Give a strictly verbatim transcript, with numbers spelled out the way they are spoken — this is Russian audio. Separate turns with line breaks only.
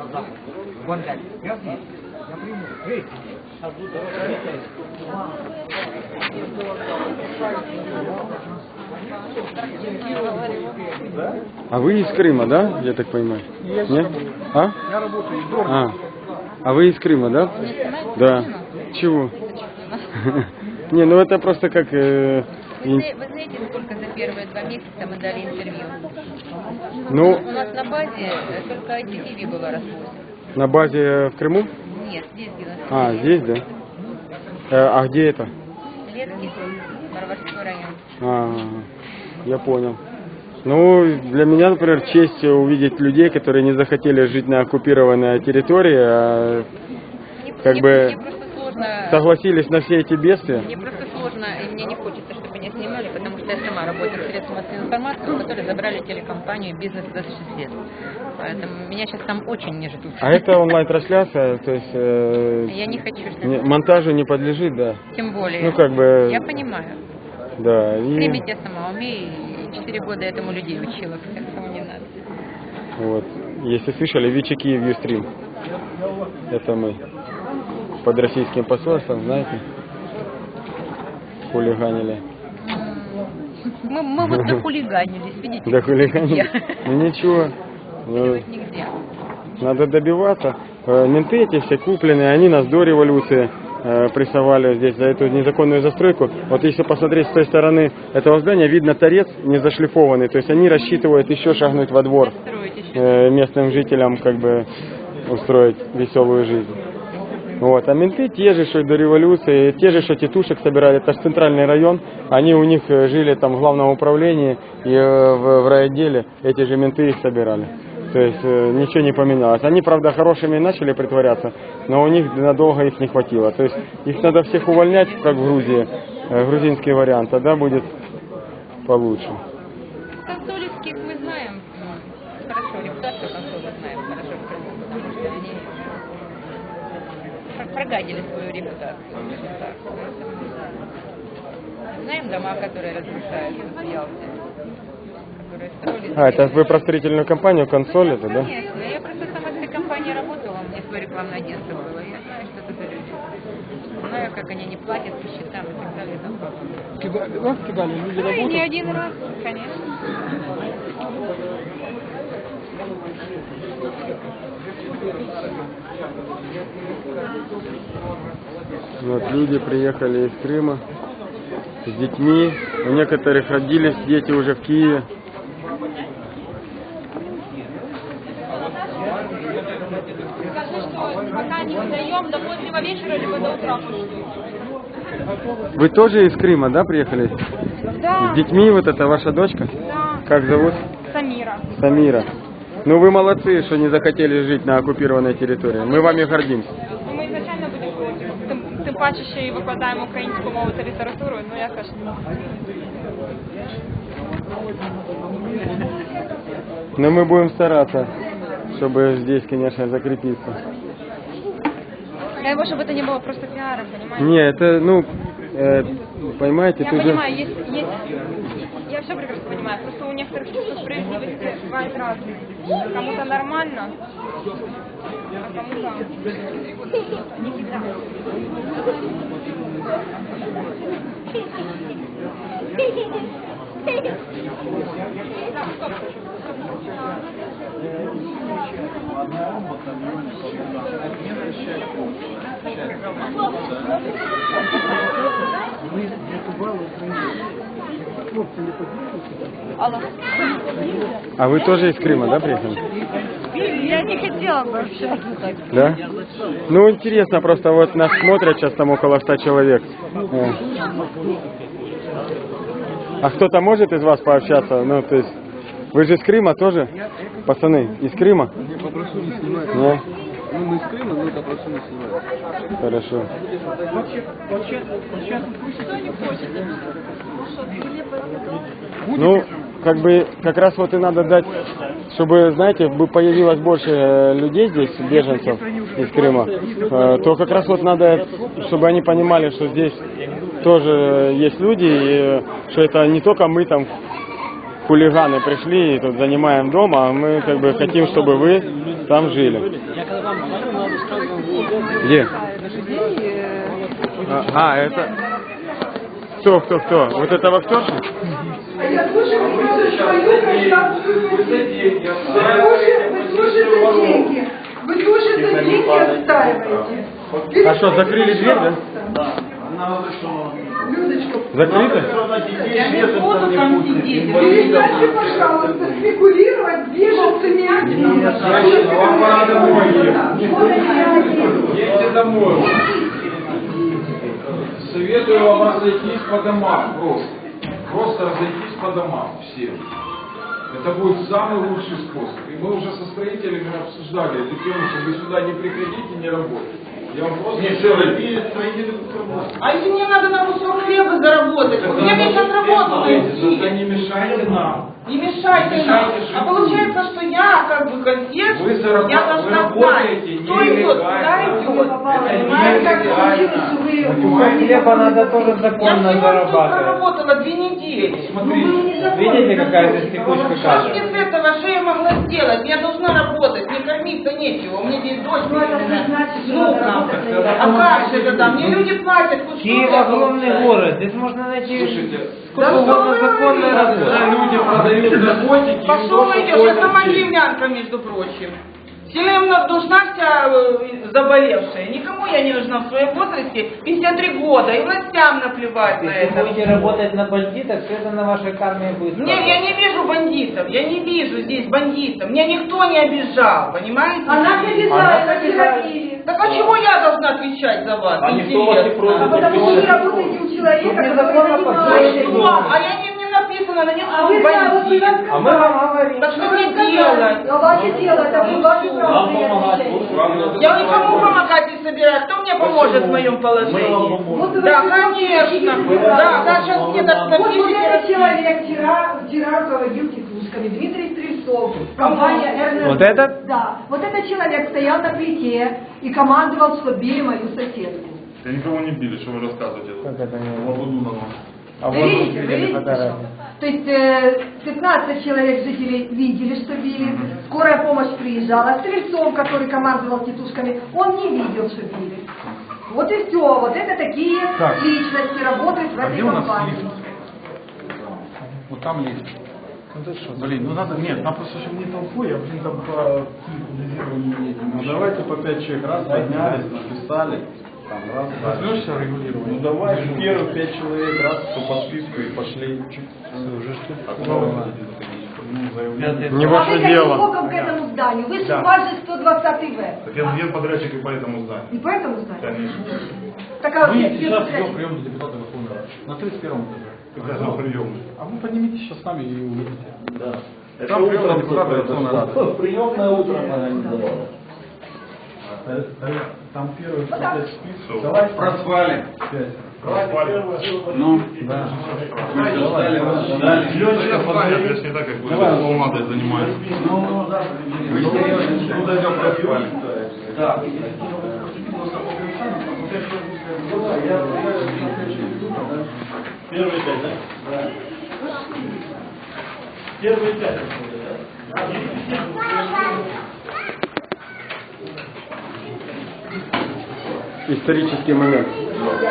А вы из Крыма, да? Я так понимаю? Нет? А?
Я работаю в
А. А вы из Крыма, да? Да. Чего? Не, ну это просто как... э,
Вы, зна- вы знаете, сколько за первые два месяца мы дали интервью?
Ну,
У нас на базе э, только ай ти ти ви было развоз.
на базе в Крыму?
Нет, здесь где у нас.
А, здесь, да? Э, А где это?
Летки, Барварской район.
А, я понял. Ну, для меня, например, честь увидеть людей, которые не захотели жить на оккупированной территории, а
Мне,
как
мне-
бы
мне просто сложно.
согласились на все эти бедствия.
Мне просто сложно, и мне не хочется, чтобы меня снимали, потому что я сама работаю в средствах массовой информации, у которой забрали телекомпанию «Бизнес двадцать шесть лет». Поэтому меня сейчас там очень не ждут.
А это онлайн-трансляция, то есть э,
Я не хочу, чтобы...
не- монтажу не подлежит, да?
Тем более.
Ну, как бы...
Я понимаю.
Да, и
Стримить я сама умею, и четыре года этому людей учила, поэтому не надо.
вот, если слышали, Вичи Киев Юстрим, это мы под российским посольством, знаете, хулиганили.
Мы, мы вот дохулиганились, видите?
Да хулиганили?
Нигде.
Ну ничего, ну,
Нигде.
надо добиваться. Э, Менты эти все купленные, они нас до революции э, прессовали здесь за эту незаконную застройку. Вот если посмотреть с той стороны этого здания, видно торец не зашлифованный. То есть они рассчитывают еще шагнуть во двор, э, местным жителям как бы устроить веселую жизнь. Вот. А менты те же, что и до революции, те же, что тетушек собирали, это же центральный район, они у них э, жили там в главном управлении и э, в, в райотделе, эти же менты их собирали. То есть э, ничего не поменялось. Они, правда, хорошими начали притворяться, но у них надолго их не хватило. То есть их надо всех увольнять, как в Грузии, э, грузинский вариант, тогда будет получше.
Консолевских мы знаем м, хорошо, репутацию консоли знаем хорошо, потому что они пр- прогадили свою репутацию. скажем так. Знаем дома, которые разрушаются в Ялте, которые строились...
А, это вы про строительную компанию «Консоль» это, да?
Конечно, я просто сама в этой компании работала, у меня свое рекламное агентство было, я знаю, что это за люди. Знаю, как они не платят по счетам и так далее и тому подобное.
Кидали, вас кидали, люди
Ну и не
работают.
один раз, конечно.
Вот люди приехали из Крыма с детьми. У некоторых родились дети уже в Киеве.
Скажи, что пока не выдаем до позднего вечера, либо до утра пусть.
Вы тоже из Крыма, да, приехали?
Да,
С детьми вот это ваша дочка?
да,
Как зовут?
Самира.
Самира. Ну вы молодцы, что не захотели жить на оккупированной территории. Мы вами гордимся.
Ну, ми звичайно будемо проти. Тим, тим паче, що і викладаємо українську мову та літературу, ну я кажу,
Но мы будем стараться, чтобы здесь, конечно, закрепиться.
дай Бог, чтобы это не было просто пиаром, понимаете?
Не, это, ну, э, понимаете,
Я
тут же...
понимаю, есть, есть, я все прекрасно понимаю, просто у некоторых чувство справедливости бывает разное. Кому-то нормально, а кому-то не всегда. Алло.
А вы тоже из Крыма, да, приехали?
Я не хотела бы вообще.
Да? Ну, интересно, просто вот нас смотрят сейчас там около ста человек. Э. А кто-то может из вас пообщаться? Ну, то есть, вы же из Крыма тоже? Пацаны, из Крыма?
Я попрошу не снимать.
Не?
Ну, мы из Крыма, но попрошу не снимать.
Хорошо. Ну, как бы, как раз вот и надо дать, чтобы, знаете, бы появилось больше э, людей здесь, беженцев из Крыма, э, то как раз вот надо, чтобы они понимали, что здесь тоже есть люди, и э, что это не только мы там, хулиганы, пришли и тут занимаем дом, а мы как бы хотим, чтобы вы там жили.
Я когда вам говорю, надо сразу в
Где? А, а, это... Кто, кто, кто? Вот это вахтерша?
Я тоже вижу свою гражданскую позицию. Вы тоже, вы тоже за деньги. Вы тоже за деньги отстаиваете.
А что, закрыли дверь, да?
Людочка,
Закрыто?
я не буду там сидеть. Перестаньте, пожалуйста, спекулировать беженцами.
Едьте домой. Советую вам разойтись по домам просто. Просто разойтись по домам всем. Это будет самый лучший способ. И мы уже со строителями обсуждали эту тему, что вы сюда не приходите, не работайте. Я вам просто... Не строители
А если мне надо на кусок хлеба заработать? Вот я мне сейчас работу найти.
не мешайте нам.
Не мешайте
Не
нам.
мешайте
А получается, что я как бы консьерж,
Вы заработ-
я
вы
должна знать,
работаете
кто идет, куда
нелегально.
идет.
Это
Понимаете, как
нелегально.
Понимаете,
Хлеба надо тоже
Я
законно
всего тут
зарабатывать.
проработала две недели.
Смотрите.
Видите, какая здесь текучка
Что
каша?
мне с этого, что я могла сделать? Я должна работать, мне кормиться нечего. У меня здесь дочь
Ну, это не
беременная,
значит, что
внука.
надо работать на
А
нее.
как же это там? Мне люди платят, хоть
Киев
что-то
огромный
получаю.
город, здесь можно найти
Слушайте,
сколько
да
угодно
что вы
законной
говорите?
когда
работы.
люди продают наркотики,
Пошел
им
идешь, я сама киевлянка, между прочим. Всем нужна вся э, заболевшая. Никому я не нужна в своем возрасте, пятьдесят три года, и властям наплевать на
Если
это.
будете работать на бандитах, все это на вашей карме будет.
Нет, я не вижу бандитов, я не вижу здесь бандитов. Меня никто не обижал, понимаете?
Она обязательно терапии.
Так а чего я должна отвечать за вас?
А никто вас не
Интересно.
просит.
А потому что вы работаете у человека, который
Незаконно
А
занимается.
что? А я не, не написано на нем,
А
что
вы
он
знаете, вот вы
бандит.
нам
А мы вам говорим.
Так что
Вы
мне
сказали,
делать?
а ваше дело, это вы ваше право принять решение.
Я никому помогать не собираюсь. Кто мне поможет в моем положении?
Вот вы
Да,
сейчас
конечно.
напишите,
Да, да, сейчас мне так
Вот вот
напишите.
этот человек вчера, вчера руководил текучками, Дмитрий Стрельцов, компания эр эн эр.
Вот этот?
Да. Вот этот человек стоял на плите и командовал, что били мою соседку.
Я никого не били, что вы рассказываете?
Как это не
Лабудунова.
А
Вы
вот
видите, вы
видели
видите,
фотографии.
что? То есть э, пятнадцать человек жителей видели, что били, скорая помощь приезжала, Стрельцов, который командовал тетушками, он не видел, что били. Вот и все, вот это такие
Так.
личности работают в
А
этой
где у нас
компании.
лифт? Вот там лифт. Блин, ну надо, нет, нам просто, чтобы не толпой, а блин, там по регулированию.
Ну давайте по пять человек раз поднялись, написали. Там раз, раз.
Возьмешься регулирование?
Ну давай первых пять человек раз, кто по списку и пошли. Так, ну, заявление.
Не
А
ваше
вы каким
дело.
боком к этому зданию? Вы же
Да.
у вас же сто двадцатый В.
Так я, я подрядчик и по этому зданию.
Не по этому зданию?
Конечно.
Так а
Мы
где
сейчас
подрядчик?
идем прием депутата Верховной Рады. На тридцать первом этаже.
Какая за приемная?
А вы поднимитесь сейчас с нами и увидите.
Да.
Там прием депутата Верховной Рады.
Приемная утром организовала.
Там первый
Ну, так.
пять списков.
Давай
Проспали.
Ну, да.
Ленчика подойдет, если не так, как бы полмадой занимается.
Ну, дойдем проспали.
Да. Первый пять, да? Да. Первый пять.
Исторический момент.